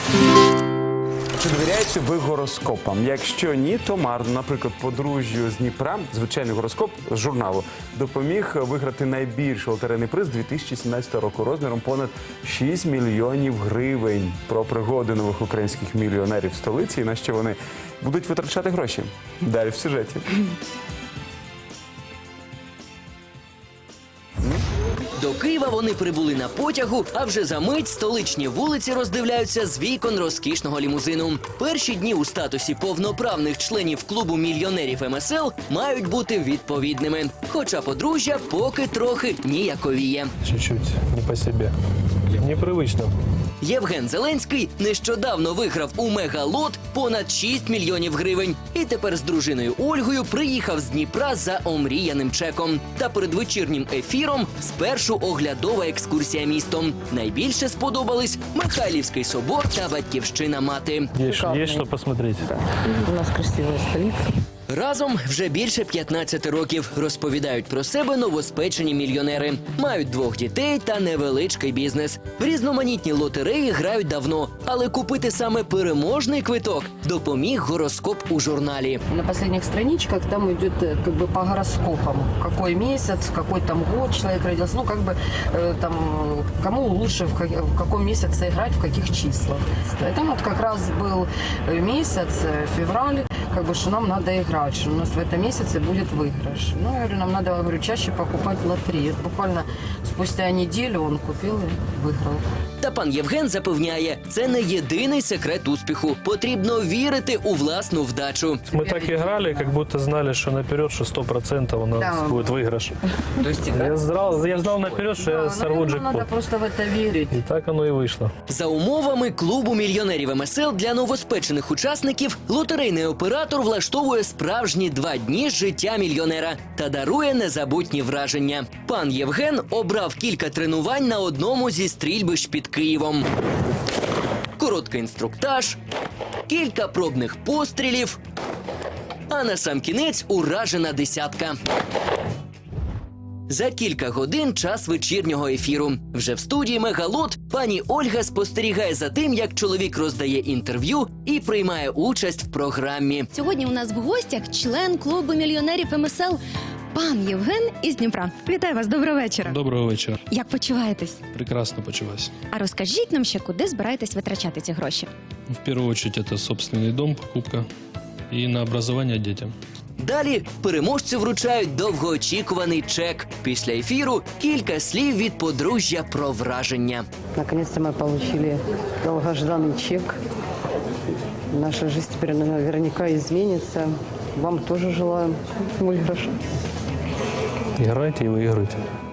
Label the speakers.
Speaker 1: Чи довіряєте ви гороскопам? Якщо ні, то марно. Наприклад, подружжю з Дніпра, звичайний гороскоп з журналу, допоміг виграти найбільший лотерейний приз 2017 року розміром понад 6 мільйонів гривень. Про пригоди нових українських мільйонерів в столиці і на що вони будуть витрачати гроші. Далі в сюжеті.
Speaker 2: До Києва вони прибули на потягу, а вже за мить столичні вулиці роздивляються з вікон розкішного лімузину. Перші дні у статусі повноправних членів клубу мільйонерів МСЛ мають бути відповідними. Хоча подружжя поки трохи ніяковіє.
Speaker 3: Чуть-чуть не по себе. Непривично.
Speaker 2: Євген Зеленський нещодавно виграв у мегалот понад 6 мільйонів гривень. І тепер з дружиною Ольгою приїхав з Дніпра за омріяним чеком. Та перед вечірнім ефіром спершу оглядова екскурсія містом. Найбільше сподобались Михайлівський собор та Батьківщина мати.
Speaker 3: Есть что посмотреть.
Speaker 4: У нас красивая столица.
Speaker 2: Разом вже більше 15 років, розповідають про себе новоспечені мільйонери. Мають 2 дітей та невеличкий бізнес. В різноманітні лотереї грають давно, але купити саме переможний квиток допоміг гороскоп у журналі.
Speaker 4: На последних страничках там идет как бы по гороскопам. Какой месяц, какой там год человек родился. Ну, как бы там, кому лучше в каком месяце играть, в каких числах. Это вот как раз был месяц, февраль, как бы, что нам надо играть, что у нас в этом месяце будет выигрыш. Ну, я говорю, нам надо, говорю, чаще покупать лотерею. Буквально спустя неделю он купил и выиграл.
Speaker 2: Та пан Євген запевняє, це не єдиний секрет успіху. Потрібно вірити у власну вдачу.
Speaker 3: Мы так играли, как будто знали, что наперед, что 100% у нас
Speaker 4: Да.
Speaker 3: будет выигрыш. Я знал наперед, что я сорву
Speaker 4: наверное, надо
Speaker 3: джекпот.
Speaker 4: просто в это верить.
Speaker 3: И так оно и вышло.
Speaker 2: За умовами клубу мільйонерів МСЛ для новоспечених учасників лотерейний оператор влаштовує справжні 2 дні з життя мільйонера та дарує незабутні враження. Пан Євген обрав кілька тренувань на одному зі стрільбищ під Києвом. Короткий інструктаж, кілька пробних пострілів, а на сам кінець уражена десятка. За кілька годин час вечірнього ефіру. Вже в студії «Мегалот» пані Ольга спостерігає за тим, як чоловік роздає інтерв'ю і приймає участь в програмі.
Speaker 5: Сьогодні у нас в гостях член клубу мільйонерів МСЛ пан Євген із Дніпра. Вітаю вас, доброго вечора.
Speaker 6: Доброго вечора.
Speaker 5: Як почуваєтесь?
Speaker 6: Прекрасно почуваюсь.
Speaker 5: А розкажіть нам ще, куди збираєтесь витрачати ці гроші?
Speaker 6: В первую очередь это собственный дом, покупка и на образование детям.
Speaker 2: Далі переможцю вручають довгоочікуваний чек. Після ефіру кілька слів від подружжя про враження.
Speaker 4: Наконец-то мы получили долгожданный чек. Наша жизнь теперь наверняка изменится. Вам тоже желаем выигрыша.
Speaker 3: Играйте и выигрывайте.